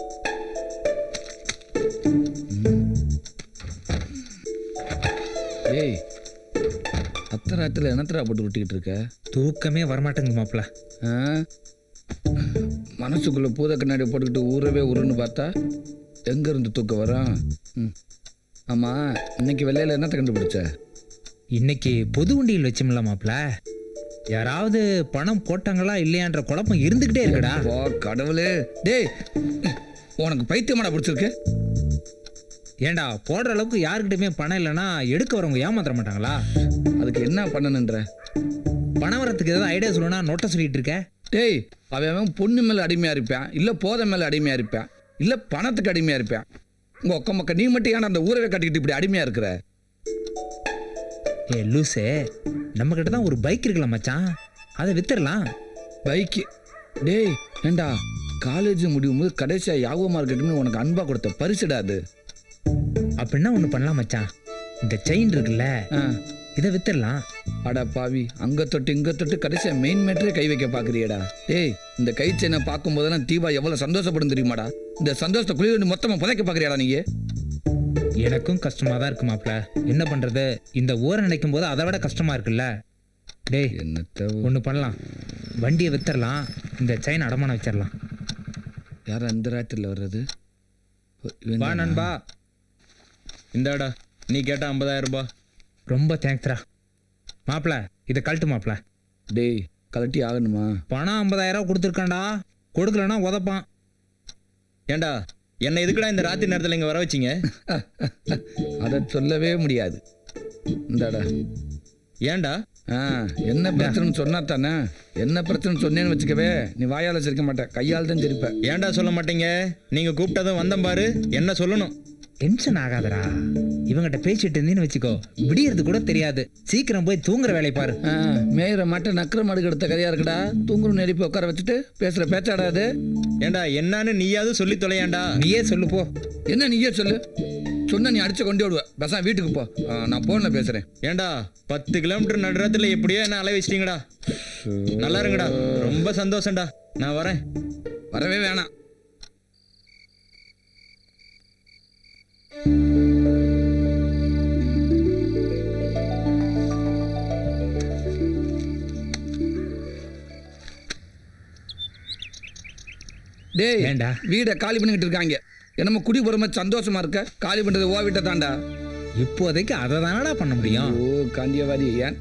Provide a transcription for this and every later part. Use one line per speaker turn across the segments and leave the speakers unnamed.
ஏய், அத்தராத்துல என்னத்தரா போட்டு விட்டுக்கிட்டு இருக்க?
தூக்கமே வரமாட்டேங்குது மாப்பிள்ள.
மனசுக்குள்ள பூத கண்ணாடி போட்டுக்கிட்டு ஊறவே உருன்னு பார்த்தா எங்க இருந்து தூக்கம் வரும்? ஆமா, இன்னைக்கு வெள்ளையில என்னத்தை கண்டுபிடிச்ச?
இன்னைக்கு பொது உண்டியல் வச்சோம்ல மாப்பிள்ள, யாராவது பணம் போட்டாங்களா இல்லையான்ற குழப்பம் இருந்துகிட்டே இருக்குடா.
வா கடவுளே, டேய் உனக்கு பைத்தியமாடா பிடிச்சிருக்கு?
ஏண்டா போடுற அளவுக்கு யாருக்கிட்டயுமே பணம் இல்லைன்னா எடுக்க வரவங்க ஏமாத்திர மாட்டாங்களா?
அதுக்கு என்ன பண்ணணுன்ற?
பணம் வரத்துக்கு ஏதாவது ஐடியா சொல்லணும்னா நோட்டை சொல்லிட்டு இருக்க.
டேய், அவன் பொண்ணு மேலே அடிமையாக இருப்பான், இல்லை போதை மேலே அடிமையாக இருப்பான், இல்லை பணத்துக்கு அடிமையாக இருப்பான். உங்கள் ஒக்க மக்க நீ மட்டும் ஏன்னா அந்த ஊரவே கட்டிக்கிட்டு இப்படி அடிமையாக இருக்கிற?
ஏ லூசே, நம்ம கிட்ட தான் ஒரு பைக் இருக்குல்ல மச்சான், அதை வித்துடலாம்.
பைக்கு? டேய் ஏண்டா, காலேஜ் முடியும் போது கடைசியாக யாகோ மார்க்கெட்டுன்னு உனக்கு அன்பா கொடுத்த பரிசுடா அது.
அப்படின்னா ஒன்று பண்ணலாம் மச்சான், இந்த செயின் இருக்குல்ல இதை வித்துடலாம்.
அடா பாவி, அங்கே தொட்டு இங்கே தொட்டு கடைசியாக மெயின் மேட்டரே கை வைக்க பார்க்குறியடா. டேய், இந்த கை செயினை பார்க்கும் போதெல்லாம் தீபா எவ்வளோ சந்தோஷப்படும் தெரியுமாடா? இந்த சந்தோஷத்தை குளிர் மொத்தமாக புதைக்க பார்க்குறியாடா நீ?
எனக்கும் கஷ்டமாக தான் இருக்கு மாப்பிள்ள, என்ன பண்ணுறது? இந்த ஊரை நினைக்கும் போது அதை விட கஷ்டமாக இருக்குல்ல. டேய்
என்னத்த
ஒன்று பண்ணலாம், வண்டியை வித்துடலாம், இந்த செயின் அடமானம் வச்சிடலாம்.
யார் அந்த ராத்திரியில் வர்றது?
வா நண்பா.
இந்தாடா, நீ கேட்ட 50,000 ரூபாய்.
ரொம்ப தேங்க்ஸ்ரா மாப்பிள்ள, இதை கழட்டு மாப்பிள்ள.
டேய், கலட்டி ஆகணுமா?
பணம் 50,000 கொடுத்துருக்காண்டா, கொடுக்கலன்னா உதப்பான்.
ஏண்டா, என்ன எதுக்குடா இந்த ராத்திரி நேரத்தில் இங்கே வர வச்சிங்க?
அதை சொல்லவே முடியாது. இந்தாடா.
ஏண்டா?
என்ன பிரச்சனைன்னு சொன்னா தானே? என்ன பிரச்சனை சொன்னேன்னு வச்சுக்கவே, நீ வாயால் சிரிக்க மாட்டேன், கையால் தான் சிரிப்ப.
ஏண்டா சொல்ல மாட்டீங்க? நீங்கள் கூப்பிட்டதும் வந்தேன் பாரு, என்ன சொல்லணும்?
டென்ஷன் ஆகாதடா, இவங்கிட்ட பேசிட்டு இருந்தீன்னு வச்சுக்கோ, விடியறது கூட தெரியாது. சீக்கிரம் போய் தூங்குற வேலையை பாரு.
மேயிற மாட்டை நக்கிற மாடு எடுத்த கதையா இருக்குடா. தூங்குற எழுப்பி உட்கார வச்சுட்டு பேசுற பேச்சாடாது.
ஏண்டா என்னன்னு நீயாவது சொல்லி தொலையாண்டா.
நீயே சொல்லு போ.
என்ன நீயே சொல்லு? சொன்ன நீ அடிச்சு கொண்டு விடுவ. பேசாம வீட்டுக்கு போ, நான் போன்ல பேசுறேன்.
ஏண்டா 10 கிலோமீட்டர் நடுறத்துல எப்படியோ என்ன அலை வச்சிட்டீங்கடா. நல்லா இருங்கடா, ரொம்ப சந்தோஷம்டா, நான் வரேன்.
வரவே வேணாம். டேய்,
ஏண்டா
வீடை காலி பண்ணிக்கிட்டு இருக்காங்க. என்னமோ குடி போற மாதிரி சந்தோஷமா இருக்க? காலி பண்றது ஓ வீட்டை தாண்டா.
இப்போதைக்கு அதை தானடா பண்ண முடியும்.
ஓ காந்தியவாதி. ஏன்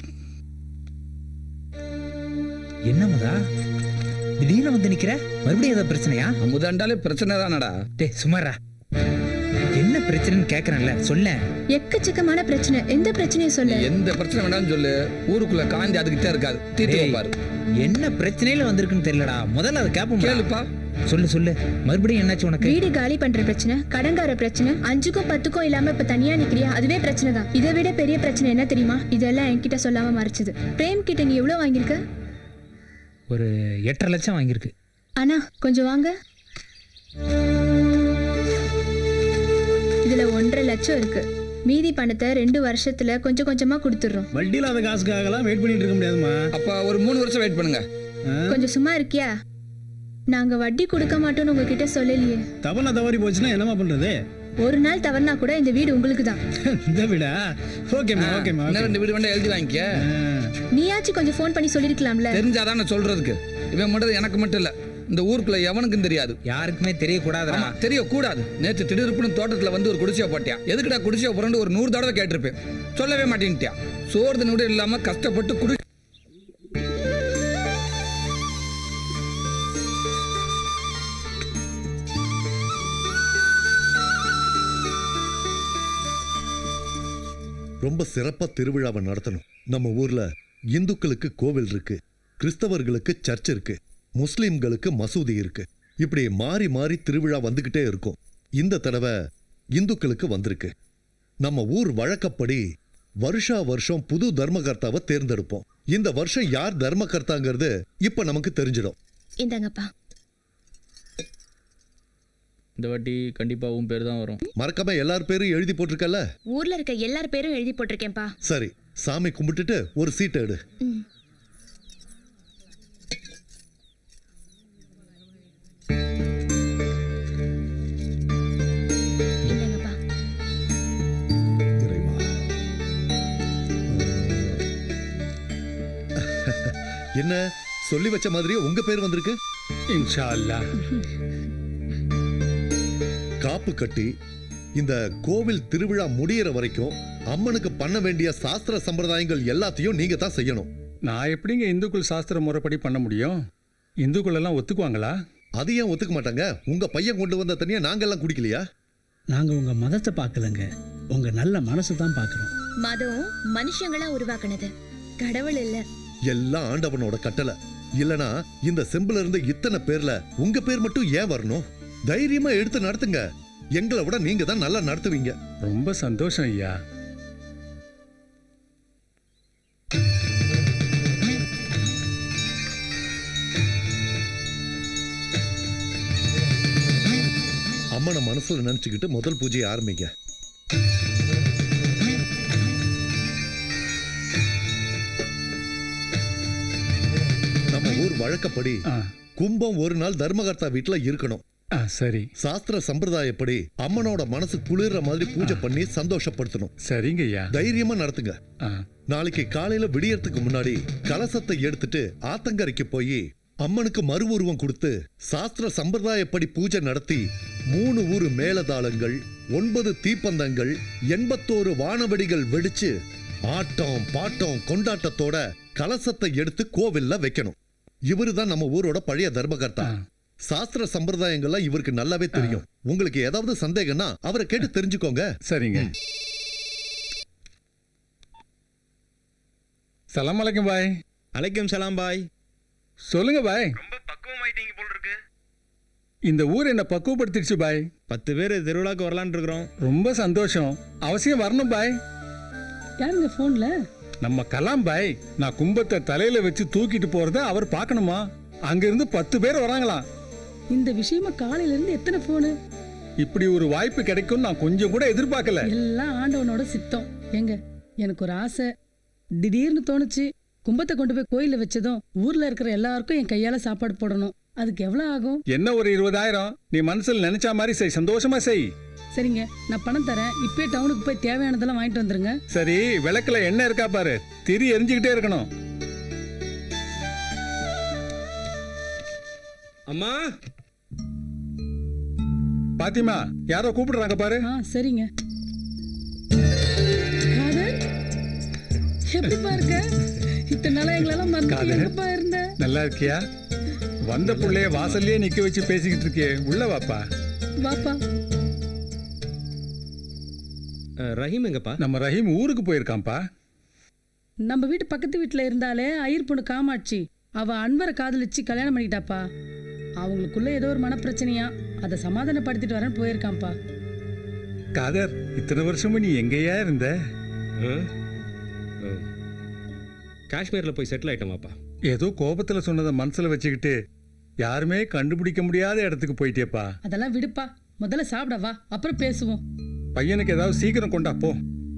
என்ன முதா திடீர்னு வந்து நிக்கிற? மறுபடியும் ஏதாவது பிரச்சனையா?
அமுதாண்டாலே பிரச்சனை தானடா.
டேய் சுமாரா, என்ன பிரச்சனைன்னு கேக்குறேன்ல, சொல்ல.
எக்கச்சக்கமான பிரச்சனை. எந்த பிரச்சனையும் சொல்லு.
எந்த பிரச்சனை வேணாலும் சொல்லு. ஊருக்குள்ள காந்தி அதுக்கிட்டே இருக்காது, தீர்த்து வைப்பாரு.
என்ன பிரச்சனையில வந்திருக்குன்னு தெரியலடா, முதல்ல அதை கேப்போம்.
கேளுப்பா.
சொல்லு சொல்லு, மறுபடியும் என்னாச்சு உனக்கு?
வீடு காலி பண்ற பிரச்சனை, கடன்கார பிரச்சனை, 5க்கும் 10க்கும் இல்லாம இப்ப தனியா நிக்கிறியா, அதுவே பிரச்சனை தான். இதை விட பெரிய பிரச்சனை என்ன தெரியுமா? இதெல்லாம் என்கிட்ட சொல்லாம மறைச்சது. பிரேம் கிட்ட நீ எவ்வளவு வாங்கியிருக்க?
ஒரு 8.5 லட்சம் வாங்கியிருக்கு.
அண்ணா கொஞ்சம் வாங்க. இதுல 1.5 லட்சம் இருக்கு. மீதி பணத்தை 2 வருஷத்துல கொஞ்சம் கொஞ்சமா கொடுத்துடுறோம்.
வட்டி இல்லாத காசுக்காகலாம் வெயிட் பண்ணிட்டு இருக்க முடியாதுமா.
அப்ப ஒரு 3 வருஷம் வெயிட் பண்ணுங்க.
கொஞ்சம் சும்மா இருக்கியா? நாங்க வட்டி கொடுக்க மாட்டோம்னு உங்ககிட்ட சொல்லலையே.
தவறுனா தவறி போச்சுன்னா என்னமா பண்றது?
ஒரு நாள் தவறுனா கூட இந்த வீடு உங்களுக்கு தான்.
இந்த வீடா? ஓகேமா ஓகேமா.
இன்னும் 2 வீடு வேண்டாம், எழுதி வாங்கிக்க.
நீயாச்சும் கொஞ்சம் ஃபோன் பண்ணி சொல்லிருக்கலாம்ல.
தெரிஞ்சாதான் நான் சொல்றதுக்கு. இவன் மட்டும் எனக்கு மட்டும் இல்ல, இந்த ஊருக்குள்ள எவனுக்கும் தெரியாது.
யாருக்குமே தெரியக்கூடாதுடா.
தெரியக்கூடாது. நேற்று திடீர்னு தோட்டத்துல வந்து ஒரு குடிசையை போட்டியா. எதுக்குடா குடிசையை போறேன்னு ஒரு 100 தடவை கேட்டிருப்பேன். சொல்லவே மாட்டேன்ட்டியா. சோறு கூட இல்லாம கஷ்டப்பட்டு குடி.
ரொம்ப சிறப்பா திருவிழாவை நடத்தணும். நம்ம ஊர்ல இந்துக்களுக்கு கோவில் இருக்கு, கிறிஸ்தவர்களுக்கு சர்ச் இருக்கு, முஸ்லிம்களுக்கு மசூதி இருக்கு. இப்படி மாறி மாறி திருவிழா வந்துகிட்டே இருக்கும். இந்த தடவை இந்துக்களுக்கு வந்திருக்கு. நம்ம ஊர் வழக்கப்படி வருஷா வருஷம் புது தர்மகர்த்தாவை தேர்ந்தெடுப்போம். இந்த வருஷம் யார் தர்மகர்த்தாங்கிறது இப்ப நமக்கு தெரிஞ்சிடும்.
இந்தாங்கப்பா.
இந்த வாட்டி கண்டிப்பா உன் பேர் தான் வரும்.
மறக்காம எல்லார் பேரும் எழுதி போட்டிருக்கல?
ஊர்ல இருக்க எல்லார் பேரும் எழுதி போட்டிருக்கேன்ப்பா.
சரி, சாமி கும்பிட்டுட்டு ஒரு சீட் எடு. என்ன சொல்லி வச்ச மாதிரியே உங்க பேர் வந்திருக்கு.
இன்ஷா அல்லாஹ்.
காப்பு கட்டி இந்த கோவில் திருவிழா முடியிற வரைக்கும் அம்மனுக்கு பண்ண வேண்டிய சாஸ்திர சம்பிரதாயங்கள் எல்லாத்தையும் நீங்க தான் செய்யணும்.
நான் எப்படிங்க இந்துக்கள் சாஸ்திர முறைப்படி பண்ண முடியும்? இந்துக்கள் எல்லாம் ஒத்துக்குவாங்களா?
அது ஏன் ஒத்துக்க மாட்டாங்க? உங்க பையன் கொண்டு வந்த தண்ணியை நாங்கெல்லாம் குடிக்கலையா?
நாங்க உங்க மதத்தை பார்க்கலங்க, உங்க நல்ல மனசு தான் பார்க்கிறோம்.
மதம் மனுஷங்களா உருவாக்குனது, கடவுள் இல்ல.
எல்லாம் ஆண்டவனோட கட்டளை. இல்லனா இந்த செம்புல இருந்து இத்தனை பேர்ல உங்க பேர் மட்டும் ஏன் வரணும்? தைரியமா எடுத்து நடத்துங்க. எங்களை விட நீங்க தான் நல்லா நடத்துவீங்க.
ரொம்ப சந்தோஷம் ஐயா.
அம்மனை மனசுல நினைச்சுக்கிட்டு முதல் பூஜையை ஆரம்பிங்க. நம்ம ஊர் வழக்கப்படி
ஆ,
கும்பம் ஒரு நாள் தர்மகர்த்தா வீட்டுல இருக்கணும்.
ஆ, சரி
சாஸ்திர சம்பிரதாயப்படி அம்மனோட மனசு குளிர்ற மாதிரி பூஜை பண்ணி சந்தோஷப்படுத்தணும்.
சரிங்க ஐயா.
தைரியமா நடத்துங்க.
ஆ,
நாளைக்கு காலையில விடியறதுக்கு முன்னாடி கலசத்தை எடுத்துட்டு ஆத்தங்கரைக்கு போய் அம்மனுக்கு மறு உருவம் கொடுத்து சாஸ்திர சம்பிரதாயப்படி பூஜை நடத்தி 3 ஊரு மேளதாளங்கள், 9 தீப்பந்தங்கள், 81 வானவெடிகள் வெடிச்சு ஆட்டம் பாட்டம் கொண்டாட்டத்தோட கலசத்தை எடுத்து கோவில்ல வைக்கணும். இவருதான் நம்ம ஊரோட பழைய தர்மகர்த்தா. சாஸ்திர சம்பிரதாயங்கள்லாம் இவருக்கு நல்லாவே தெரியும். உங்களுக்கு ஏதாவது சந்தேகம்னா அவரை கேட்டு தெரிஞ்சுக்கோங்க.
சரிங்க. சலாம் அலைக்கும் பாய்.
அலைக்கும் சலாம் பாய்.
சொல்லுங்க பாய்.
ரொம்ப பக்குவமாயிட்டீங்க போல் இருக்கு.
இந்த ஊர் என்ன பக்குவப்படுத்திடுச்சு பாய்.
10 பேர் திருவிழாக்கு வரலான்னு இருக்கிறோம்.
ரொம்ப சந்தோஷம். அவசியம் வரணும் பாய்.
யாருங்க போன்ல?
நம்ம கலாம் பாய். நான் கும்பத்தை தலையில வச்சு தூக்கிட்டு போறத அவர் பார்க்கணுமா? அங்க இருந்து 10 பேர் வராங்களாம்.
இந்த விஷயமா காலையில இருந்து எத்தனை போனு?
இப்படி ஒரு வாய்ப்பு கிடைக்கும் நான் கொஞ்சம் கூட எதிர்பார்க்கல.
எல்லாம் ஆண்டவனோட சித்தம். எங்க எனக்கு ஒரு ஆசை திடீர்னு தோணுச்சு. கும்பத்தை கொண்டு போய் கோயில்ல வச்சதும் ஊர்ல இருக்கிற எல்லாருக்கும் என் கையால சாப்பாடு போடணும். அதுக்கு எவ்வளவு ஆகும்?
என்ன ஒரு 20,000 நீ மனசுல நினைச்ச மாதிரி செய். சந்தோஷமா செய்.
சரிங்க, நான் பணம் தரேன். இப்பே டவுனுக்கு போய் தேவையானதெல்லாம் வாங்கிட்டு வந்துருங்க.
சரி, விளக்குல எண்ணெய் இருக்கா பாரு. திரி எரிஞ்சுக்கிட்டே இருக்கணும்.
அம்மா
பாத்திமா, யாரோ கூப்பிடுறாங்க பாரு.
சரிங்க. காதர், எப்படிப்பா இருக்க? இத்தனை நாளா எங்களெல்லாம் மறந்து
காதர்.
எங்கப்பா இருந்த?
நல்லா இருக்கியா? வந்த புள்ளைய வாசல்லயே நிக்க வச்சு பேசிக்கிட்டு இருக்கே, உள்ள வாப்பா.
வாப்பா.
ரஹீம் எங்கப்பா?
நம்ம ரஹீம் ஊருக்கு போயிருக்கான்ப்பா.
நம்ம வீட்டு பக்கத்து வீட்டுல இருந்தாலே ஐயர் பொண்ணு காமாட்சி, அவ அன்வரை காதலிச்சு கல்யாணம் பண்ணிக்கிட்டாப்பா. அவங்களுக்குள்ள ஏதோ ஒரு மனப்பிரச்சனையா, அதை சமாதானப்படுத்திட்டு வரேன்னு போயிருக்கான்ப்பா.
காதர், இத்தனை வருஷமும் நீ எங்கேயா இருந்த?
காஷ்மீர்ல போய் செட்டில் ஆயிட்டோமாப்பா.
ஏதோ கோபத்துல சொன்னதை மனசுல வச்சுக்கிட்டு யாருமே கண்டுபிடிக்க முடியாத இடத்துக்கு போயிட்டேப்பா.
அதெல்லாம் விடுப்பா, முதல்ல சாப்பிட வா, அப்புறம் பேசுவோம்.
பையனுக்கு ஏதாவது சீக்கிரம் கொண்டா போ.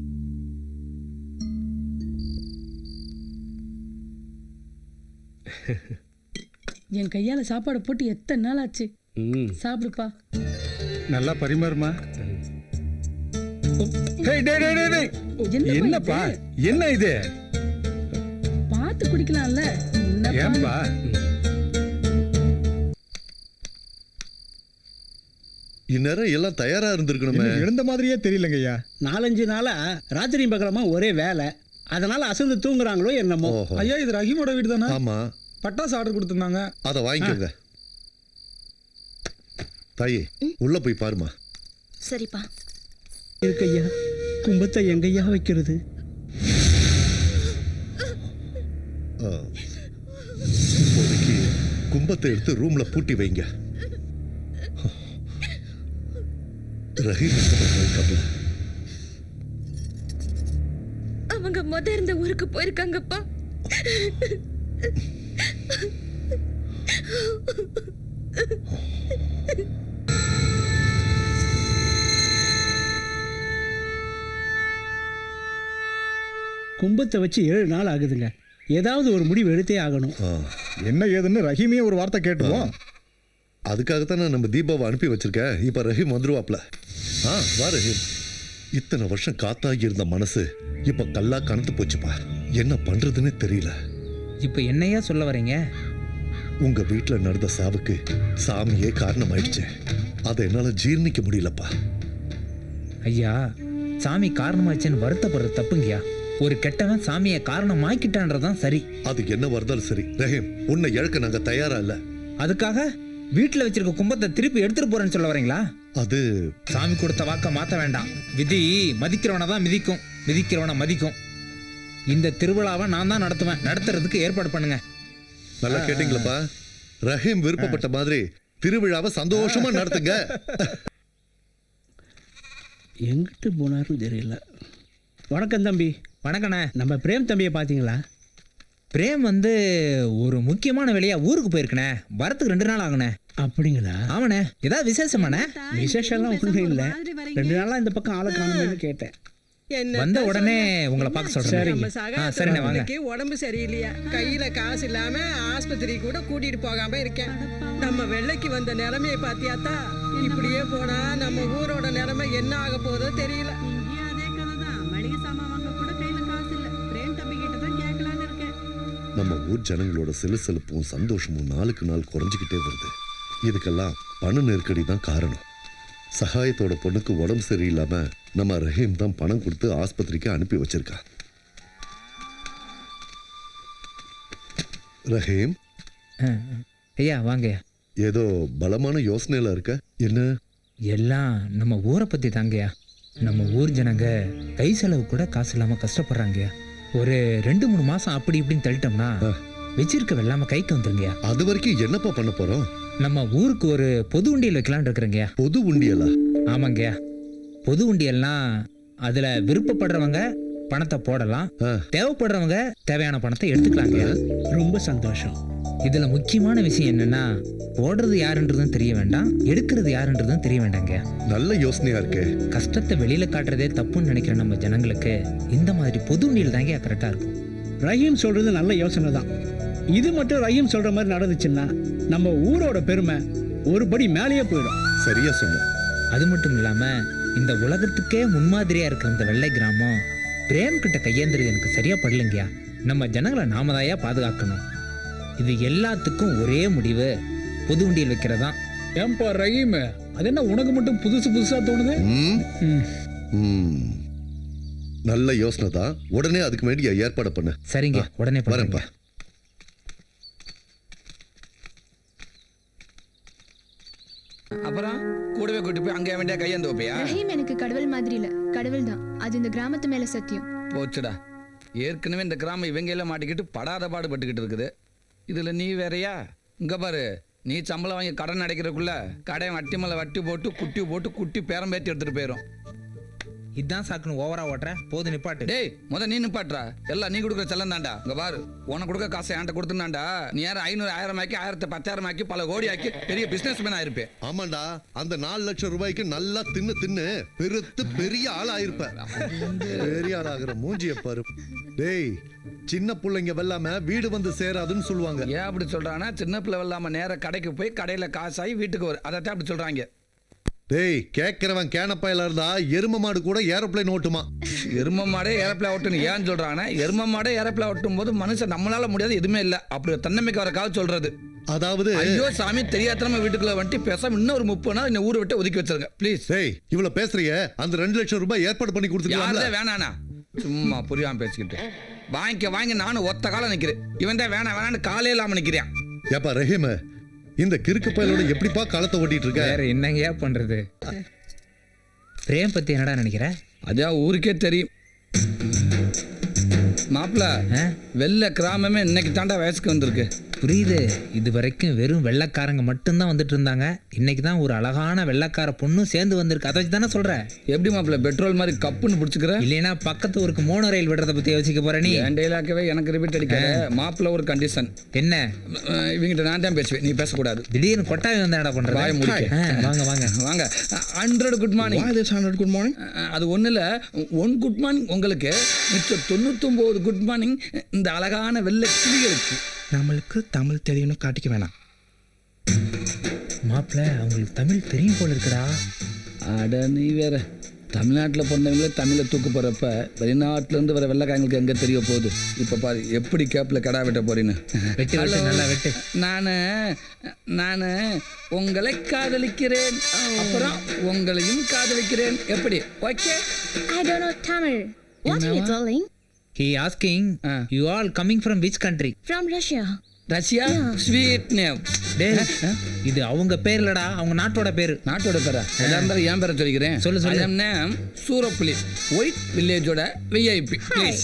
என் கையால சாப்பாடு போட்டு எத்தனை நாள் ஆச்சு. சாப்பிடுப்பா.
நல்லா பரிமாறுமா. டேய், டேய், டேய், டேய், டேய். என்னப்பா என்ன இது?
பார்த்து குடிக்கலாம்ல. என்னப்பா?
ஏன்பா?
இந்நேரம் எல்லாம் தயாரா இருந்திருக்கணுமே.
எழுந்த மாதிரியே தெரியலங்க ஐயா.
4-5 நாளா ராத்திரி பகலமா ஒரே வேலை, அதனால அசந்து தூங்குறாங்களோ என்னமோ.
ஓஹோ.
ஐயா, இது ரஹீமோட வீடு தானே?
ஆமா,
பட்டாசு ஆர்டர் கொடுத்துருந்தாங்க.
அத வாங்கிக்கோங்க. தாயே, உள்ள போய் பாருமா.
சரிப்பா.
இருக்கையா, கும்பத்தை எங்கய்யா வைக்கிறது?
இப்போதைக்கு கும்பத்தை எடுத்து ரூம்ல பூட்டி வைங்க. ரஹீம் இருக்காப்ல.
அவங்க இருந்த ஊருக்கு போயிருக்காங்கப்பா.
கும்பத்தை வச்சு 7 நாள் ஆகுதுங்க. ஏதாவது ஒரு முடிவு எடுத்தே ஆகணும்.
என்ன ஏதுன்னு ரஹீமே ஒரு வார்த்தை கேட்டுருவோம்.
அதுக்காகத்தான் நான் நம்ம தீபாவை அனுப்பி வச்சிருக்கேன். இப்ப ரஹீம் வந்துருவாப்ல. வா ரஹீம். இத்தனை வருஷம் காத்தாகி இருந்த மனசு இப்ப கல்லா கனத்து போச்சுப்பா. என்ன பண்றதுன்னு தெரியல.
இப்போ என்னையா சொல்ல வரீங்க?
உங்க வீட்டுல நடந்த சாவுக்கு சாமியே காரணமாயிடுச்சு. அதை என்னால ஜீர்ணிக்க முடியலப்பா.
ஐயா, சாமி காரணமாச்சுன்னு வருத்தப்படுறது தப்புங்கய்யா. ஒரு கெட்டவன் சாமியை காரணமாக்கிட்டான்றதான் சரி.
அது என்ன வருதாலும் சரி ரஹீம், உன்னை இழக்க நாங்க தயாரா இல்ல.
அதுக்காக வீட்டில் வச்சிருக்க கும்பத்தை திருப்பி எடுத்துட்டு போறேன்னு சொல்ல வரீங்களா?
அது
சாமி கொடுத்த வாக்க மாத்த வேண்டாம். விதி மதிக்கிறவனை தான் மிதிக்கும், மிதிக்கிறவனை மதிக்கும். இந்த திருவிழாவை நான் தான் நடத்துவேன். நடத்துறதுக்கு ஏற்பாடு பண்ணுங்க.
நல்லா கேட்டீங்களப்பா. ரஹீம் விருப்பப்பட்ட மாதிரி திருவிழாவை சந்தோஷமா நடத்துங்க.
எங்கிட்டு போனாருன்னு தெரியல. வணக்கம் தம்பி.
வணக்கண்ணே.
நம்ம பிரேம் தம்பியை பார்த்தீங்களா?
பிரேம் வந்து ஒரு முக்கியமான வேலையா ஊருக்கு போயிருக்கனே. வரத்துக்கு 2 நாள் ஆகுனே.
அப்படிங்களா?
ஆமாண்ணே. ஏதாவது விசேஷமாண்ணே?
விசேஷம்லாம் ஒன்றும் இல்லை. 2 நாளாக இந்த பக்கம் ஆளை காணுமேனு கேட்டேன்.
வந்த உடனே உங்களை பார்க்க சொல்றேன். சரிண்ணே வாங்க.
உடம்பு சரியில்லையா, கையில காசு இல்லாம ஆஸ்பத்திரி கூட கூட்டிட்டு போகாம இருக்கேன். நம்ம வெள்ளைக்கு வந்த நிலைமையை பாத்தியாத்தா? இப்படியே போனா நம்ம ஊரோட நிலைமை என்ன ஆக போதோ தெரியல. அதே கதைதான். மளிகை சாமான் வாங்க கூட கையில காசு இல்ல. பிரேம் தம்பி கிட்ட தான் கேட்கலான்னு இருக்கேன்.
நம்ம ஊர் ஜனங்களோட சிலுசிலுப்பும் சந்தோஷமும் நாளுக்கு நாள் குறைஞ்சிக்கிட்டே வருது. இதுக்கெல்லாம் பண நெருக்கடி தான் காரணம். சகாயத்தோட பொண்ணுக்கு உடம்பு சரியில்லாம நம்ம ரஹீம் தான் பணம் கொடுத்து ஆஸ்பத்திரிக்கு அனுப்பி வச்சிருக்கா. ரஹீம்,
ஐயா வாங்க.
ஏதோ பலமான யோசனையில இருக்க. என்ன?
எல்லாம் நம்ம ஊரை பத்தி தாங்கய்யா. நம்ம ஊர் ஜனங்க கை செலவு கூட காசு இல்லாம கஷ்டப்படுறாங்கய்யா. ஒரு 2-3 மாசம் அப்படி இப்படின்னு தள்ளிட்டோம்னா வச்சிருக்க வெள்ளாம கைக்கு வந்துருங்கய்யா.
அது வரைக்கும் என்னப்பா பண்ண போறோம்?
நம்ம ஊருக்கு ஒரு பொது உண்டியல் வைக்கலான்னு இருக்கிறேங்கய்யா.
பொது உண்டியலா?
ஆமாங்கய்யா. பொது உண்டியல்னா அதுல விருப்பப்படுறவங்க பணத்தை போடலாம், தேவைப்படுறவங்க தேவையான பணத்தை எடுத்துக்கலாங்கய்யா.
ரொம்ப சந்தோஷம்.
இதுல முக்கியமான விஷயம் என்னன்னா, போடுறது யாருன்றதும் தெரிய வேண்டாம், எடுக்கிறது யாருன்றதும் தெரிய வேண்டாங்க.
நல்ல யோசனையா இருக்கு.
கஷ்டத்தை வெளியில காட்டுறதே தப்புன்னு நினைக்கிற நம்ம ஜனங்களுக்கு இந்த மாதிரி பொது உண்டியல் தாங்க கரெக்டா இருக்கும்.
ரஹீம் சொல்றது நல்ல யோசனை தான். இது மட்டும் ரஹீம் சொல்ற மாதிரி நடந்துச்சுன்னா நம்ம ஊரோட பெருமை ஒரு படி மேலேயே போயிடும்.
சரியா சொன்ன.
அது மட்டும் இல்லாம இந்த உலகத்துக்கே முன்மாதிரியா இருக்கிற இந்த வெள்ளை கிராமம் பிரேம் கிட்ட கையேந்திரது எனக்கு சரியா படலைங்கயா. நம்ம ஜனங்களை நாம தாயா பாதுகாக்கணும். இது எல்லாத்துக்கும் ஒரே முடிவு, பொது உண்டியல் வைக்கிறதா.
ஏன்பா ரஹீம், அது என்ன உனக்கு மட்டும் புதுசு புதுசா தோணுது?
நல்ல யோசனை தான். உடனே அதுக்கு வேண்டிய ஏற்பாடு பண்ண.
சரிங்க, உடனே
வரேன்ப்பா.
அப்புறம் கூடவே கூட்டி போய் அங்கே வேண்டிய கையேந்து வைப்பியா?
ரஹீம் எனக்கு கடவுள் மாதிரி இல்ல, கடவுள் தான். அது இந்த கிராமத்து மேல சத்தியம்.
போச்சுடா, ஏற்கனவே இந்த கிராமம் இவங்க எல்லாம் மாட்டிக்கிட்டு படாத பாடுபட்டுக்கிட்டு இருக்குது. இதுல நீ வேறையா? இங்க பாரு, நீ சம்பளம் வாங்கி கடன் அடைக்கிறதுக்குள்ள கடையை வட்டி மேல வட்டி போட்டு குட்டி பேரம் பேத்தி எடுத்துட்டு போயிடும்.
இதான் சாக்குன்னு ஓவரா ஓட்டுற. போது நிப்பாட்டு.
டேய், நீ நிப்பாட்டுறா. எல்லாம் நீ கொடுக்குற செல்லம் தாண்டா. இங்க பாரு, உனக்கு கொடுக்க காசை என்கிட்ட கொடுத்துனாண்டா, நீ யாரும் 500 1000 ஆக்கி 1000 10,000 ஆக்கி பல கோடி ஆக்கி பெரிய பிசினஸ் மேன் ஆயிருப்பேன்.
ஆமாண்டா, அந்த 4 லட்சம் ரூபாய்க்கு நல்லா தின்னு பெருத்து பெரிய ஆள் ஆயிருப்ப. பெரிய ஆள் ஆகிற மூஞ்சிய பாரு. டேய், சின்ன பிள்ளைங்க வெல்லாம வீடு வந்து சேராதுன்னு சொல்லுவாங்க.
ஏன் அப்படி சொல்றானா? சின்ன பிள்ளை வெல்லாம நேர கடைக்கு போய் கடையில காசாகி வீட்டுக்கு வரும். அதைத்தான் அப்படி சொல்றாங்க.
டேய், கேட்கிறவன் கேனப்பாயில இருந்தா எரும மாடு கூட ஏரோப்ளேன் ஓட்டுமா?
எரும மாடே ஏரோப்ளேன் ஓட்டுன்னு ஏன் சொல்றாங்கன்னா, எரும மாடே ஏரோப்ளேன் ஓட்டும் போது மனுஷன் நம்மளால முடியாது எதுவுமே இல்ல அப்படி தன்னம்பிக்கை வர கால சொல்றது.
அதாவது
ஐயோ சாமி, தெரியாதனமா வீட்டுக்குள்ள வந்துட்டு பேசாம இன்னும் ஒரு 30 நாள் இந்த ஊரை விட்டு ஒதுக்கி வச்சிருங்க ப்ளீஸ்.
டேய், இவ்வளவு பேசுறிய, அந்த 2 லட்சம் ரூபாய் ஏற்பாடு பண்ணி கொடுத்துருக்கீங்களா?
வேணாண்ணா, சும்மா புரியாம பேசிக்கிட்டு வாங்கி நானும் ஒத்த காலம் நிக்கிறேன். இவன் தான் வேணான்னு காலே இல்லாம நிக்கிறேன்.
ஏப்பா ரஹீம், இந்த கிறுக்கு பயலோட எப்படிப்பா காலத்தை ஓட்டிட்டு இருக்க?
வேற என்னங்கயா பண்றது? பிரேம் பத்தி என்னடா நினைக்கிற?
அதான் ஊருக்கே தெரியும் மாப்பிள்ள. வெள்ளை கிராமமே இன்னைக்கு தாண்டா வயசுக்கு வந்திருக்கு.
புரியுது. இது வரைக்கும் வெறும் வெள்ளைக்காரங்க மட்டும்தான் வந்துட்டு இருந்தாங்க. இன்னைக்கு தான் ஒரு அழகான வெள்ளைக்கார பொண்ணும் சேர்ந்து வந்திருக்கு. அதை தானே சொல்ற?
எப்படி மாப்பிள்ள பெட்ரோல் மாதிரி கப்புன்னு பிடிச்சிக்கிற?
இல்லைன்னா பக்கத்து ஊருக்கு மோனோ ரயில் விடுறத பத்தி யோசிக்க போற நீ?
என் டைலாக்கவே எனக்கு ரிப்பீட் அடிக்காத மாப்பிள்ள. ஒரு கண்டிஷன்
என்ன?
இவங்கிட்ட நான் தான் பேசுவேன், நீ பேசக்கூடாது.
திடீர்னு கொட்டாவி வந்தா என்ன பண்ற?
வாங்க 100 குட் மார்னிங்.
100 good morning.
அது ஒண்ணு இல்ல, 1 குட் மார்னிங் உங்களுக்கு, மிச்சம் 99 குட் மார்னிங் இந்த அழகான வெள்ளை கிளிகளுக்கு.
நம்மளுக்கு தமிழ் தெரியும்னு காட்டிக்க வேணாம்.
மாப்பிள்ள, அவங்களுக்கு தமிழ் தெரியும் போல இருக்குடா.
அட நீ வேற, தமிழ்நாட்டில் பிறந்தவங்களே தமிழை தூக்கு போகிறப்ப வெளிநாட்டிலேருந்து வர வெள்ளைக்காரங்களுக்கு எங்கே தெரிய போகுது. இப்போ பாரு எப்படி கேப்பில் கடா வெட்ட போறீன்னு.
வெட்டு வெட்டு நல்லா வெட்டு.
நான் உங்களை காதலிக்கிறேன், அப்புறம் உங்களையும் காதலிக்கிறேன். எப்படி? Okay.
I don't know Tamil.
What are you telling?
He asking, you all coming from which country?
From Russia.
Russia? Sweet name.
டேய், இது அவங்க பேர் இல்லடா, அவங்க நாட்டோட பேரு.
நாட்டோட பேரா? எதா இருந்தாலும் என் பேரை சொல்லிக்கிறேன்.
சொல்லு, சொல்லு.
ஐ நேம் சூரப்புலி, ஒயிட் வில்லேஜோட விஐபி. ப்ளீஸ்.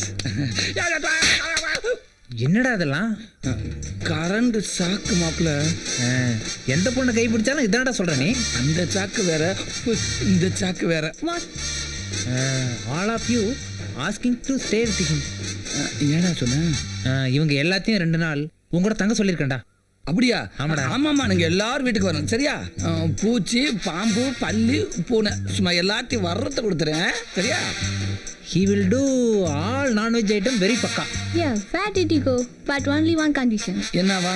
என்னடா இதெல்லாம்?
கரண்ட் சாக்கு மாப்பிள்ள.
எந்த பொண்ணை கை பிடிச்சாலும் இதான்டா சொல்ற நீ.
அந்த சாக்கு வேற, இந்த சாக்கு வேற.
What?
All of you asking to stay with him.
ஏடா சொன்ன?
இவங்க எல்லாத்தையும் 2 நாள் உங்களோட தங்க சொல்லியிருக்கேன்டா.
அப்படியா?
ஆமாடா.
ஆமாம்மா, நீங்கள் எல்லாரும் வீட்டுக்கு வரணும் சரியா? பூச்சி, பாம்பு, பல்லி, பூனை சும்மா எல்லாத்தையும் வர்றத கொடுத்துறேன் சரியா?
He will do all non-veg item very பக்கா.
Yeah, where did you go? But only one condition.
என்னவா?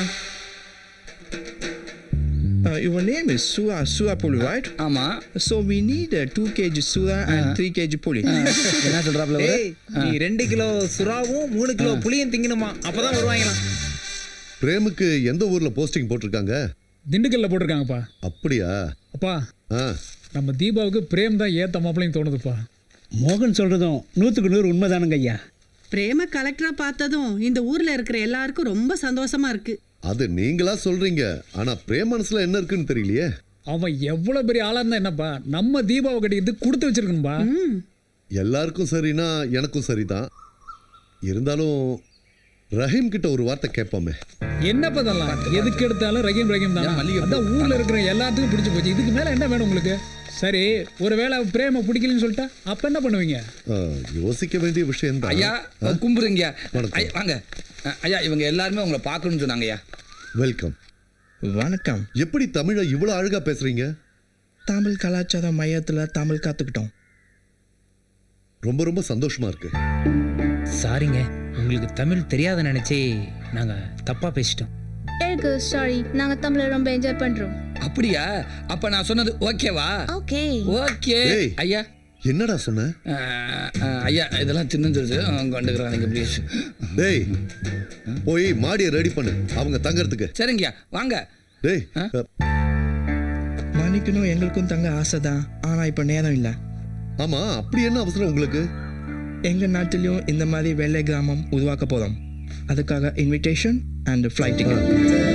Your name is Sura Puli, right?
ஆமா.
So we need 2 kg Sura and 3 kg Puli.
என்ன சொல்றாப்ல?
ஏய், நீ 2 கிலோ சுறாவும் 3 கிலோ புளியும் திங்கணுமா, அப்பதான் வருவாங்களாம்.
பிரேமுக்கு எந்த ஊர்ல போஸ்டிங் போட்டிருக்காங்க?
திண்டுக்கல்ல போட்டிருக்காங்கப்பா.
அப்படியா?
அப்பா,
ஆ,
நம்ம தீபாவுக்கு பிரேம் தான் ஏத்த மாப்பிள்ளைன்னு தோணுதுப்பா.
மோகன் சொல்றதும் 100க்கு 100 உண்மைதானுங்க ஐயா.
பிரேம கலெக்டரா பார்த்ததும் இந்த ஊர்ல இருக்கிற எல்லாருக்கும் ரொம்ப சந்தோஷமா இருக்கு.
அது நீங்களா சொல்றீங்க, ஆனா பிரேம் மனசுல என்ன இருக்குன்னு தெரியலையே.
அவன் எவ்வளவு பெரிய ஆளா இருந்தா என்னப்பா, நம்ம தீபாவை கட்டிக்கிட்டு கொடுத்து வச்சிருக்கணும்பா.
எல்லாருக்கும் சரினா எனக்கும் சரிதான். இருந்தாலும் ரஹீம் கிட்ட ஒரு வார்த்தை கேட்போமே.
என்னப்பா இதெல்லாம்? எதுக்கு எடுத்தாலும் ரஹீம் ரஹீம் தான். அதான் ஊர்ல இருக்கிற எல்லாத்துக்கும் பிடிச்சு போச்சு. இதுக்கு மேல என்ன வேணும் உங்களுக்கு? சரி, ஒருவேளை பிரேம பிடிக்கலன்னு சொல்லிட்டா அப்ப என்ன பண்ணுவீங்க?
யோசிக்க வேண்டிய விஷயம் தான்.
ஐயா கும்பிடுங்க.
வணக்கம்.
ஐயா, வாங்க. ஐயா, இவங்க எல்லாருமே உங்களை பார்க்கணும்னு சொன்னாங்க ஐயா.
வெல்கம்.
வணக்கம்.
எப்படி தமிழை இவ்வளவு அழகா பேசுறீங்க?
தமிழ் கலாச்சார மையத்தில் தமிழ் கற்றுக்கிட்டோம்.
ரொம்ப ரொம்ப சந்தோஷமா இருக்கு.
சாரிங்க, உங்களுக்கு தமிழ் தெரியாத நினைச்சே நாங்க தப்பா பேசிட்டோம்.
எனக்கு சாரி, நாங்க தமிழை ரொம்ப என்ஜாய் பண்றோம்.
அப்படியா? அப்ப நான் சொன்னது ஓகேவா?
Okay.
ஓகே.
ஏய்.
ஐயா,
என்னடா சொன்ன?
ஐயா இதெல்லாம் சின்ன கொண்டுக்கிறாங்க ப்ளீஸ்.
டேய், போய் மாடியை ரெடி பண்ணு அவங்க தங்கறதுக்கு.
சரிங்கய்யா, வாங்க.
டேய்,
மன்னிக்கணும், எங்களுக்கும் தங்க ஆசை தான், ஆனால் இப்போ நேரம் இல்லை.
ஆமா, அப்படி என்ன அவசரம் உங்களுக்கு?
எங்கள் நாட்டிலையும் இந்த மாதிரி வெள்ளை கிராமம் உருவாக்க போகிறோம். அதுக்காக இன்விடேஷன் அண்ட் ஃப்ளைட் டிக்கெட்.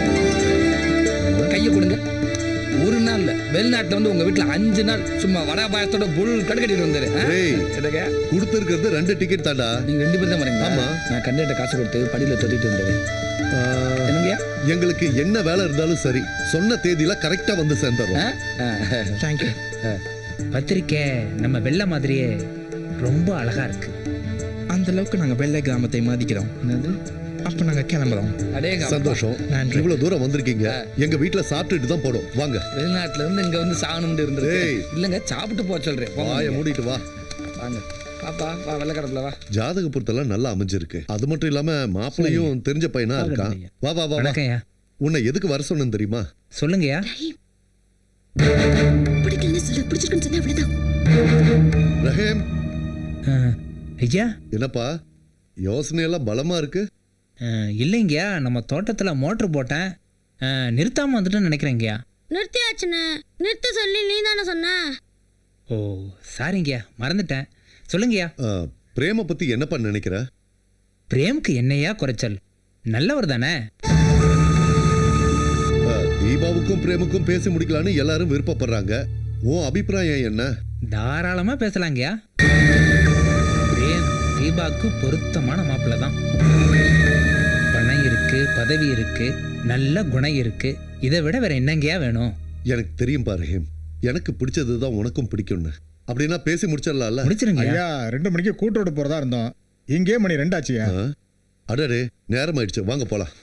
கையை கொடுங்க. ஒரு நாள் இல்ல, வெளிநாட்டுல வந்து உங்க வீட்டுல 5 நாள் சும்மா வடா பாயத்தோட புல் கட்டுக்கட்டிட்டு வந்தாரு.
டேய்,
என்னங்க?
கொடுத்துருக்கிறது 2 டிக்கெட் தாண்டா.
நீங்க 2 பேரும் தான் வரீங்க.
ஆமா.
நான் கண்டிப்பா காசு கொடுத்து படியில தொட்டிட்டு வந்தாரு. என்னங்கய்யா?
எங்களுக்கு என்ன வேலை இருந்தாலும் சரி, சொன்ன தேதியில கரெக்டா வந்து சேர்ந்துடுறோம்.
தேங்க்யூ.
பத்திரிக்கை நம்ம வெள்ளை மாதிரியே ரொம்ப அழகா இருக்கு.
அந்த அளவுக்கு நாங்கள் வெள்ளை கிராமத்தை மதிக்கிறோம். அப்போ நாங்கள் கிளம்புறோம்.
அடேங்க,
சந்தோஷம்.
நன்றி.
இவ்வளவு தூரம் வந்திருக்கீங்க. எங்க வீட்டுல சாப்பிட்டுட்டு தான் போடும். வாங்க.
வெளிநாட்டுல இருந்து இங்க வந்து சாகணும்னு இருந்தது.
ஏய்.
இல்லங்க, சாப்பிட்டு போக சொல்றேன். போங்க.
வாயை மூடிட்டு வா.
வாங்க. பாப்பா, வா, வெள்ளக்கடப்புல வா.
ஜாதக பொருத்தெல்லாம் நல்லா அமைஞ்சிருக்கு. அது மட்டும் இல்லாம மாப்பிள்ளையும் தெரிஞ்ச பையனா இருக்கான். வா வா வா வா.
வணக்கம்யா.
உன்னை எதுக்கு வர சொன்னேன்னு தெரியுமா?
சொல்லுங்கய்யா.
பிடிக்கலன்னு சொல்லு, பிடிச்சிருக்குன்னு சொன்னா அவ்வளவுதான்.
ரஹீம்,
ஐயா,
என்னப்பா யோசனை எல்லாம் பலமா இருக்கு?
இல்லைங்கய்யா, நம்ம தோட்டத்தில் மோட்ரு போட்டேன், நிறுத்தாமல் வந்துட்டுன்னு நினைக்கிறேங்கய்யா.
நிறுத்தியாச்சுன்னு நிறுத்த சொல்லி நீ தானே சொன்ன.
ஓ சாரிங்கய்யா, மறந்துட்டேன். சொல்லுங்கய்யா.
பிரேம பத்தி என்னப்பா நினைக்கிற?
பிரேமுக்கு என்னையா குறைச்சல்? நல்லவர் தானே.
தீபாவுக்கும் பிரேமுக்கும் பேசி முடிக்கலான்னு எல்லாரும் விருப்பப்படுறாங்க. உன் அபிப்பிராயம் என்ன?
தாராளமாக பேசலாங்கய்யா. பிரேம் தீபாவுக்கு பொருத்தமான மாப்பிள்ளை தான். பணம் இருக்கு, பதவி இருக்கு, நல்ல குணம் இருக்கு. இதை விட வேற என்னங்கய்யா வேணும்?
எனக்கு தெரியும் பா ரஹீம், எனக்கு பிடிச்சதுதான் உனக்கும் பிடிக்கும்னு. அப்படின்னா பேசி முடிச்சிடலாம்ல?
முடிச்சிருங்க.
ஐயா 2 மணிக்கு கூட்டோட போறதா இருந்தோம். இங்கே மணி 2 ஆச்சுயா.
அடடே, நேரம் ஆயிடுச்சு, வாங்க போலாம்.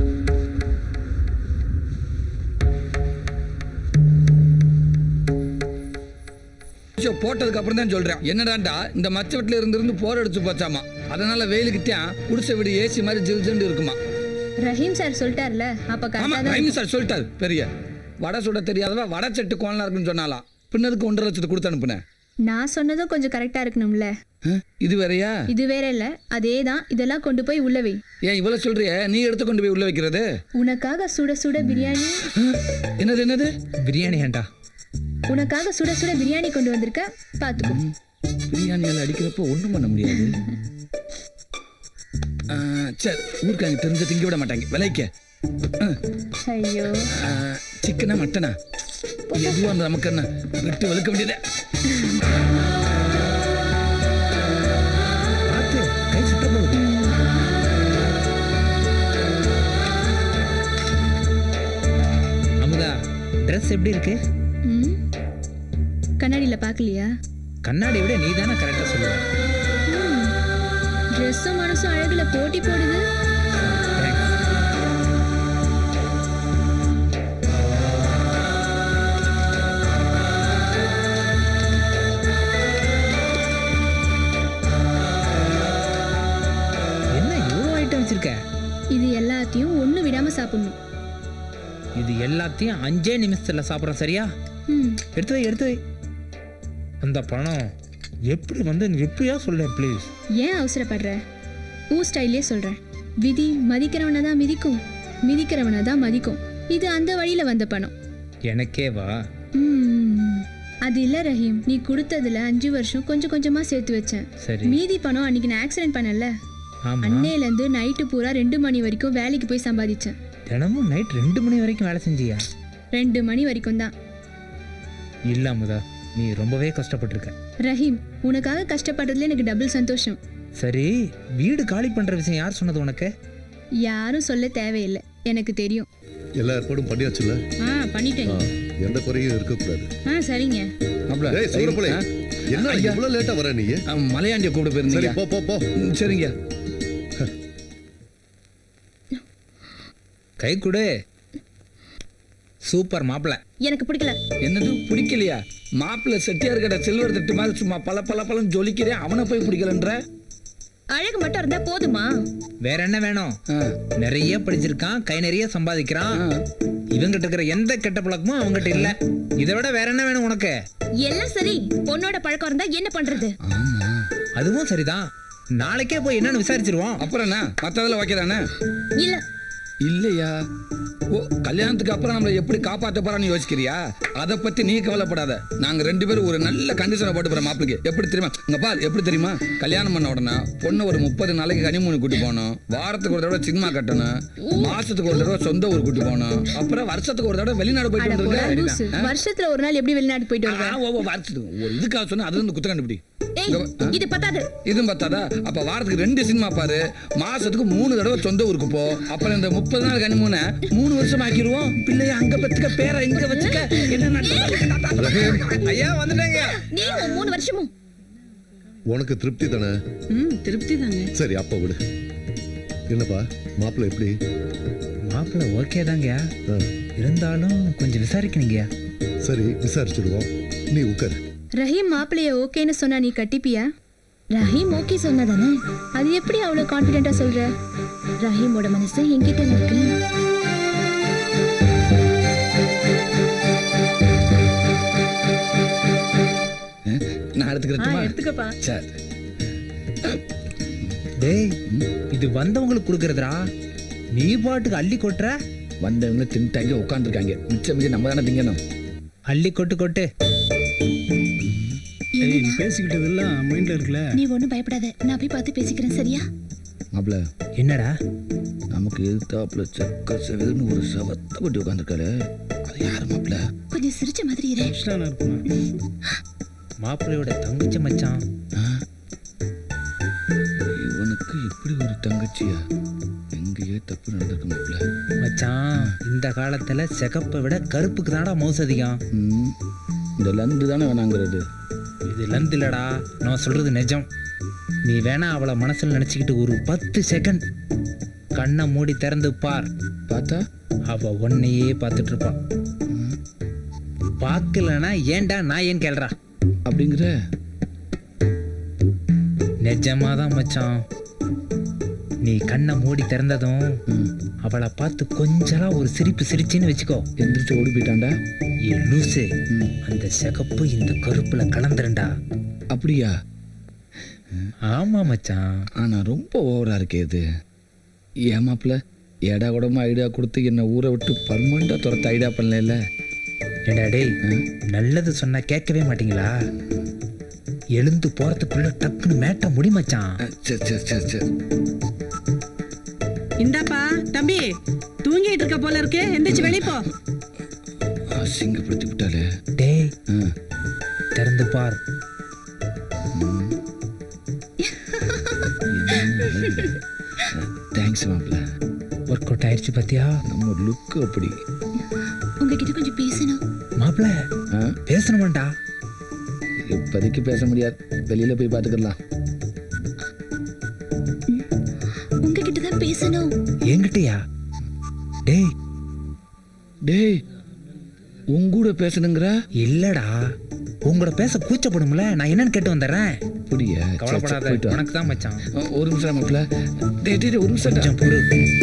போட்டதுக்கு அப்புறம் தான் சொல்றேன். என்னடாண்டா, இந்த மச்ச வீட்டுல இருந்து போர் அடிச்சு போச்சாமா. அதனால வெயிலுக்கிட்டேன் குடிசை வீடு ஏசி மாதிரி ஜில்ஜில்னு இருக்குமா.
ரஹீம் சார் சொல்லிட்டார்ல, அப்ப
ஆமா,
கரெக்டா தான்
ரஹீம் சார் சொல்லிட்டாரு. பெரிய வடை சுட தெரியாதவ வடை செட்டு கோலனா இருக்குன்னு சொன்னாலாம். பின்னதுக்கு 1.5 லட்சத்தை கொடுத்து அனுப்புனேன்.
நான் சொன்னதும் கொஞ்சம் கரெக்டா இருக்கணும்ல.
இது வேறயா?
இது வேற இல்ல, அதே தான். இதெல்லாம் கொண்டு போய் உள்ள வை.
ஏன் இவ்வளவு சொல்றிய? நீ எடுத்து கொண்டு போய் உள்ள வைக்கிறது?
உனக்காக சுட சுட பிரியாணி.
என்னது என்னது?
பிரியாணி ஏண்டா?
உனக்காக சுட சுட பிரியாணி கொண்டு வந்திருக்க, பாத்துக்கோ.
பிரியாணியால் அடிக்கிறப்போ ஒன்றும் பண்ண முடியாது. சரி, ஊருக்காங்க தெரிஞ்ச திங்க விட மாட்டாங்க. விலைக்க
ஐயோ,
சிக்கனா மட்டனா எதுவும் அந்த நமக்கு என்ன விட்டு வலுக்க வேண்டியது.
கை சுத்த போகுது. அமுதா, ட்ரெஸ் எப்படி இருக்கு?
கண்ணாடியில பாக்கலையா?
கண்ணாடி விட நீ தானே கரெக்டா சொல்லுவ.
ட்ரெஸ்ஸும் மனசும் அழகுல போட்டி போடுது.
என்ன இவ்வளோ ஐட்டம் வச்சிருக்க?
இது எல்லாத்தையும் ஒண்ணு விடாம சாப்பிடணும்.
இது எல்லாத்தையும் 5 நிமிஷத்துல சாப்பிட்றோம், சரியா? எடுத்து வை, எடுத்து வை. அந்த பணம் எப்படி வந்து எப்படியா சொல்ல ப்ளீஸ்.
ஏன் அவசரப்படுற? ஊ ஸ்டைலே சொல்றேன். விதி மதிக்கிறவனை தான் மிதிக்கும், மிதிக்கிறவனை தான் மதிக்கும். இது அந்த வழியில வந்த பணம்.
எனக்கே வா.
அது இல்ல ரஹீம், நீ கொடுத்ததுல 5 வருஷம் கொஞ்சம் கொஞ்சமா சேர்த்து வச்சேன்.
சரி.
மீதி பணம் அன்னைக்கு நான் ஆக்சிடென்ட் பண்ணல,
ஆமா.
அன்னையில இருந்து நைட்டு பூரா 2 மணி வரைக்கும் வேலைக்கு போய் சம்பாதிச்சேன்.
தினமும் நைட் 2 மணி வரைக்கும் வேலை செஞ்சியா?
2 மணி வரைக்கும் தான்.
இல்ல அமுதா, நீ ரொம்பவே கஷ்டப்பட்டிருக்க.
ரஹீம், உனக்காக கஷ்டப்படுறதுல எனக்கு டபுள் சந்தோஷம்.
சரி, வீடு காலி பண்ற விஷயம் யார் சொன்னது உனக்கு?
யாரும் சொல்ல தேவையில்லை, எனக்கு தெரியும்.
எல்லா ஏற்பாடும் பண்ணியாச்சுல்ல?
பண்ணிட்டேன்.
எந்த குறையும் இருக்கக்கூடாது.
சரிங்க.
ஏய் சூரப்புலே, என்ன இவ்வளவு லேட்டா வர நீ?
மலையாண்டிய கூப்பிட்டு
சரி,
போயிருந்தீங்க.
போ போ போ.
சரிங்க.
கை கொடு. சூப்பர் மாப்பிள்ள.
எனக்கு பிடிக்கல.
என்னது பிடிக்கலையா? மாப்பிள்ள செட்டியார் கடை சில்வர் தட்டு மாதிரி சும்மா பல பல பழம் ஜொலிக்கிறேன், அவனை போய் பிடிக்கலன்ற?
அழகு மட்டும் இருந்தா போதுமா?
வேற என்ன வேணும்? நிறைய படிச்சிருக்கான், கை நிறைய சம்பாதிக்கிறான். இவங்கிட்ட இருக்கிற எந்த கெட்ட பழக்கமும் அவங்ககிட்ட இல்ல. இதை விட வேற என்ன வேணும் உனக்கு?
எல்லாம் சரி, பொண்ணோட பழக்கம் இருந்தா என்ன பண்றது?
அதுவும் சரிதான். நாளைக்கே போய் என்னன்னு விசாரிச்சிருவோம்.
அப்புறம் என்ன மத்ததுல வைக்கிறானே?
இல்ல
இல்லையா? ஓ, கல்யாணத்துக்கு அப்புறம் நம்மளை எப்படி காப்பாற்ற போறான்னு யோசிக்கிறியா? அதை பத்தி நீ கவலைப்படாத. நாங்க 2 பேரும் ஒரு நல்ல கண்டிஷனை போட்டு போறோம் மாப்பிளைக்கு. எப்படி தெரியுமா? இங்க பால், எப்படி தெரியுமா? கல்யாணம் பண்ண உடனே பொண்ணு ஒரு 30 நாளைக்கு கனிமூணு கூட்டி போகணும், வாரத்துக்கு ஒரு தடவை சினிமா கட்டணும், மாசத்துக்கு ஒரு தடவை சொந்த ஊர் கூட்டி போகணும், அப்புறம் வருஷத்துக்கு ஒரு தடவை வெளிநாடு போயிட்டு வந்துருக்க.
வருஷத்துல ஒரு நாள் எப்படி வெளிநாடு போயிட்டு வருவேன்?
வருஷத்துக்கு ஒரு இதுக்காக சொன்னா அது வந்து குத்த கண்டுபிடி.
இது பத்தாது.
இதுவும் பத்தாதா? அப்ப வாரத்துக்கு 2 சினிமா பாரு, மாசத்துக்கு 3 தடவை சொந்த ஊருக்கு போ. அப்புறம் இந்த 30 நாள் கனிமூனை 3 வருஷம் ஆக்கிடுவோம். பிள்ளைய அங்க பத்துக்க, பேரை இங்க வச்சுக்க. என்ன
ஐயா வந்துட்டாங்க.
நீ 3 வருஷமும்.
உனக்கு திருப்தி தானே?
திருப்தி தாங்க.
சரி, அப்ப விடு. என்னப்பா மாப்பிள்ள எப்படி?
மாப்பிள்ள ஓகே தாங்க, இருந்தாலும் கொஞ்சம் விசாரிக்கணுங்கயா.
சரி, விசாரிச்சிடுவோம். நீ உட்காரு.
ரஹீம் மாப்பிளைய ஓகேன்னு சொன்னா நீ கட்டிப்பியா?
ரஹீம் ஓகே சொன்னதானே?
அது எப்படி அவ்வளவு கான்ஃபிடென்ட்டா சொல்ற?
ரஹீமோட மனசு என்கிட்ட இருக்கு.
நான் எடுத்துக்கிறேன்.
எடுத்துக்கப்பா.
சரி.
டேய், இது வந்தவங்களுக்கு கொடுக்கறதுடா. நீ பாட்டுக்கு அள்ளி கொட்டுற.
வந்தவங்க தின்ட்டாங்க, உட்காந்துருக்காங்க. மிச்சம் மிச்சம் நம்ம தானே திங்கணும்.
அள்ளி கொட்டு கொட்டு.
பேசிக்கிட்டது எல்லாம் மைண்ட்ல இருக்குல்ல.
நீ ஒண்ணும் பயப்படாத, நான் போய் பார்த்து பேசிக்கிறேன், சரியா?
மாப்பிள்ள,
என்னடா?
நமக்கு எதிர்த்தாப்புல செக்க செவல்னு ஒரு சவத்தை கொட்டி உட்காந்துருக்காரு. அது யாரு மாப்பிள்ள?
கொஞ்சம் சிரிச்ச மாதிரி இரு.
மாப்பிள்ளையோட தங்கச்சி மச்சான்.
இவனுக்கு இப்படி ஒரு தங்கச்சியா? எங்கேயே தப்பு நடந்திருக்கு மாப்பிள்ள.
மச்சான், இந்த காலத்துல சிகப்பை விட கருப்புக்கு தான்டா மவுசு அதிகம்.
இந்த லந்து தானே வேணாங்கிறது.
இது லந்து இல்லடா, நான் சொல்றது நிஜம். நீ வேணா அவளை மனசுல நினைச்சுக்கிட்டு ஒரு 10 செகண்ட் கண்ணை மூடி திறந்து பார்.
பார்த்தா
அவ உன்னையே பார்த்துட்டு இருப்பான். பார்க்கலனா ஏன்டா நான் ஏன் கேள்றா
அப்படிங்கிற?
நிஜமாதான் மச்சான். நீ கண்ணை மூடி திறந்ததும் அவளை பார்த்து கொஞ்சலா ஒரு சிரிப்பு சிரிச்சின்னு வச்சுக்கோ,
எந்திரிச்சு ஓடி போயிட்டான்டா.
ஏ லூசு, அந்த சிகப்பு இந்த கருப்புல கலந்துருண்டா.
அப்படியா?
ஆமா மச்சான்.
ஆனா ரொம்ப ஓவரா இருக்கே இது. ஏமாப்ல ஏடா கூடமா ஐடியா கொடுத்து என்னை ஊரை விட்டு பர்மனண்டா துரத்த ஐடியா பண்ணல.
ஏடா டேய், நல்லது சொன்னா கேட்கவே மாட்டீங்களா? எழுந்து போறதுக்குள்ள டக்குன்னு மேட்ட முடி மச்சான்.
சரி சரி சரி சரி.
இந்தாப்பா தம்பி, தூங்கிட்டு இருக்க போல இருக்கு, எந்திரிச்சு வெளிய போ.
அசிங்கப்படுத்தி விட்டாலே.
டேய் திறந்து பார்.
தேங்க்ஸ் மாப்ள.
ஒர்க் அவுட் ஆயிடுச்சு பாத்தியா?
நம்ம லுக்கு அப்படி.
உங்ககிட்ட கொஞ்சம் பேசணும்.
மாப்பிள்ள பேசணுமாண்டா?
இப்போதைக்கு பேச முடியாது, வெளியில போய் பார்த்துக்கலாம்.
உங்ககிட்ட தான் பேசணும்.
என்கிட்டயா? டேய்
டேய், உங்கூட பேசணுங்கிற?
இல்லடா, உங்களோட பேச கூச்சப்படும்ல, நான் என்னன்னு கேட்டு வந்துடுறேன்.
அப்படியா?
கவலைப்படாத, உனக்கு தான் மச்சான்.
ஒரு நிமிஷம் மாப்ள. டேய் டேய் ஒரு நிமிஷம்.
கொஞ்சம் பொறு.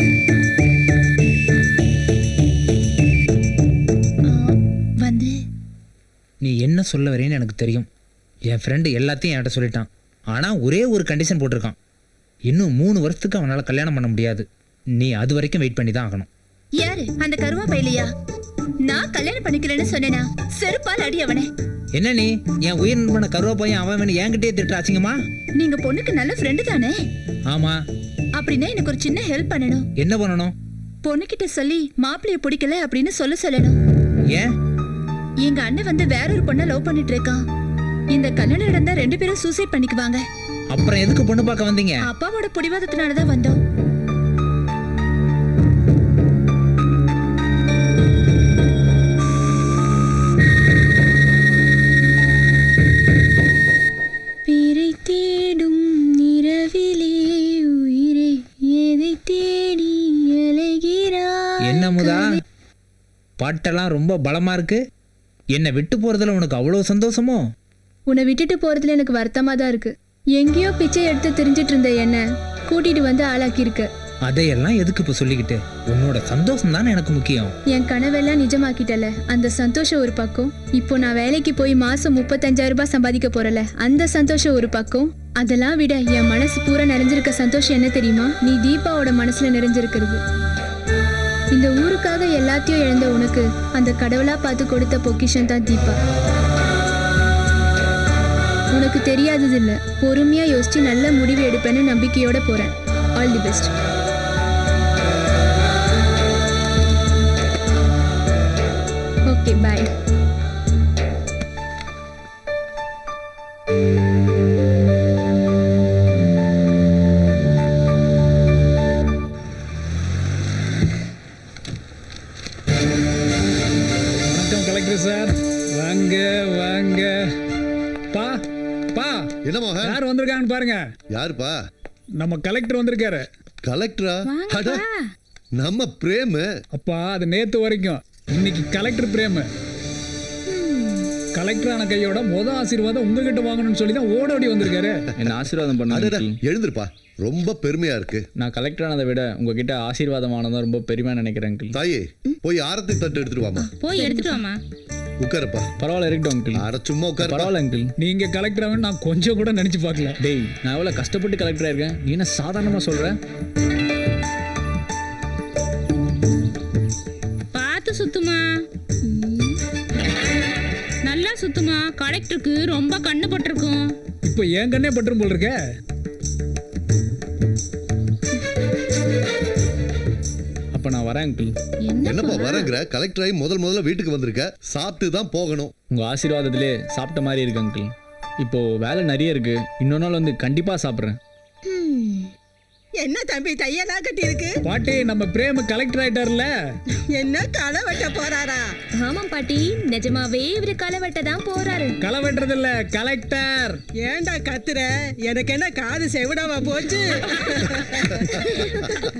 வந்து
நீ என்ன சொல்ல வரேன்னு எனக்கு தெரியும். என் ஃப்ரெண்டு எல்லாத்தையும் என்கிட்ட சொல்லிட்டான். ஆனால் ஒரே ஒரு கண்டிஷன் போட்டிருக்கான். இன்னும் 3 வருஷத்துக்கு அவனால் கல்யாணம் பண்ண முடியாது. நீ அது வரைக்கும் வெயிட் பண்ணி தான் ஆகணும்.
யாரு அந்த கருவா பையலையா? நான் கல்யாணம் பண்ணிக்கிறேன்னு சொன்னேனா? செருப்பால் அடி அவனே.
என்ன நீ என் உயிர் நண்பனை கருவா பையன் அவன் வேணும் என்கிட்டயே திட்டுறாச்சிங்கம்மா?
நீங்க பொண்ணுக்கு நல்ல ஃப்ரெண்டு தானே?
ஆமா.
அப்படின்னா எனக்கு ஒரு சின்ன ஹெல்ப் பண்ணணும்.
என்ன பண்ணணும்?
பொண்ணுகிட்ட சொல்லி மாப்பிள்ளைய பிடிக்கல அப்படின்னு சொல்லணும்.
ஏன்?
எங்க அண்ணன் வந்து வேற ஒரு பொண்ணை லவ் பண்ணிட்டு இருக்கான். இந்த கல்யாணம் நடந்தா 2 பேரும் சூசைட் பண்ணிக்குவாங்க.
அப்புறம் எதுக்கு பொண்ணு பார்க்க வந்தீங்க?
அப்பாவோட பிடிவாதத்தினாலதான் வந்தோம். பேரை தேடும் நிறவிலே உயிரை எதை தேடி அலைகிறாய்.
என்ன முதா, பாட்டெல்லாம் ரொம்ப பலமா இருக்கு. என்னை விட்டு போறதுல உனக்கு அவ்வளவு சந்தோஷமோ?
உன்னை விட்டுட்டு போறதுல எனக்கு வருத்தமா தான் இருக்கு. எங்கேயோ பிச்சை எடுத்து தெரிஞ்சிட்டு இருந்த என்ன கூட்டிட்டு வந்து ஆளாக்கியிருக்க.
அதையெல்லாம் எதுக்கு இப்ப சொல்லிக்கிட்டு? உன்னோட சந்தோஷம் தானே எனக்கு முக்கியம்.
என் கனவெல்லாம் நிஜமாக்கிட்டல, அந்த சந்தோஷம் ஒரு பக்கம். இப்போ நான் வேலைக்கு போய் மாசம் 35,000 ரூபாய் சம்பாதிக்க போறல, அந்த சந்தோஷம் ஒரு பக்கம். அதெல்லாம் விட என் மனசு பூரா நிறைஞ்சிருக்க சந்தோஷம் என்ன தெரியுமா? நீ தீபாவோட மனசுல நிறைஞ்சிருக்கிறது. இந்த ஊருக்காக எல்லாத்தையும் இழந்த உனக்கு அந்த கடவுளா பார்த்து கொடுத்த பொக்கிஷன் தான் தீபா. உனக்கு தெரியாதது இல்ல, பொறுமையா யோசிச்சு நல்ல முடிவு எடுப்பேன்னு நம்பிக்கையோட போறேன். All the best. Okay bye.
வணக்கம் கலெக்டர் சார். வாங்க வாங்க. பா பா,
என்ன மோகன்?
யார் வந்திருக்காங்கன்னு பாருங்க.
யாருப்பா?
நம்ம கலெக்டர் வந்திருக்காரு.
கலெக்டரா? அட, நம்ம பிரேம்.
அப்பா அது நேத்து வரைக்கும், இன்னைக்கு கலெக்டர் பிரேம். கலெக்டர் ஆன கையோட ஆசீர்வாதம் உங்ககிட்ட வாங்கணும்னு சொல்லி தான் ஓடோடி வந்திருக்காரு.
என்ன ஆசீர்வாதம் பண்ண?
எழுந்திருப்பா, ரொம்ப பெருமையா இருக்கு.
நான் கலெக்டர் ஆனதை விட உங்ககிட்ட ஆசீர்வாதம் ஆனதான் ரொம்ப பெருமையா நினைக்கிறேன் அங்கிள்.
தாயே, போய் ஆரத்தி தட்டு எடுத்துட்டு வாமா.
போய் எடுத்துட்டு வாமா.
உட்காருப்பா.
பரவாயில்ல, இருக்கட்டும் அங்கிள்.
அட சும்மா உட்காரு.
பரவாயில்ல அங்கிள்.
நீங்க கலெக்டர் ஆகணும் நான் கொஞ்சம் கூட நினைச்சு பார்க்கல.
டேய், நான் எவ்வளவு கஷ்டப்பட்டு கலெக்டரா இருக்கேன், நீ என்ன சாதாரணமா சொல்ற?
பார்த்து சுத்துமா, நல்லா சுத்துமா. கலெக்டருக்கு ரொம்ப கண்ணு பட்டிருக்கும்.
இப்போ என் கண்ணே பட்டுரும் போல் இருக்க.
அப்ப நான் வரேன் அங்கிள்.
என்னப்பா வரங்கிற? கலெக்டர் ஆகி முதல்ல வீட்டுக்கு வந்திருக்க, சாப்பிட்டு தான் போகணும்.
உங்க ஆசீர்வாதத்திலே சாப்பிட்ட மாதிரி இருக்கு அங்கிள். இப்போ வேலை நிறைய இருக்கு, இன்னொரு நாள் வந்து கண்டிப்பா சாப்பிட்றேன்.
என்ன தம்பி தையெல்லாம் கட்டி இருக்கு?
பாட்டி, நம்ம பிரேம் கலெக்டர் ஆயிட்டார்ல.
என்ன களை வெட்ட போறாரா?
ஆமாம் பாட்டி, நிஜமாவே இவரு களை வெட்ட தான் போறாரு.
களை வெட்டுறது இல்ல, கலெக்டர்.
ஏன்டா கத்துற? எனக்கு என்ன காது செவிடாவா போச்சு?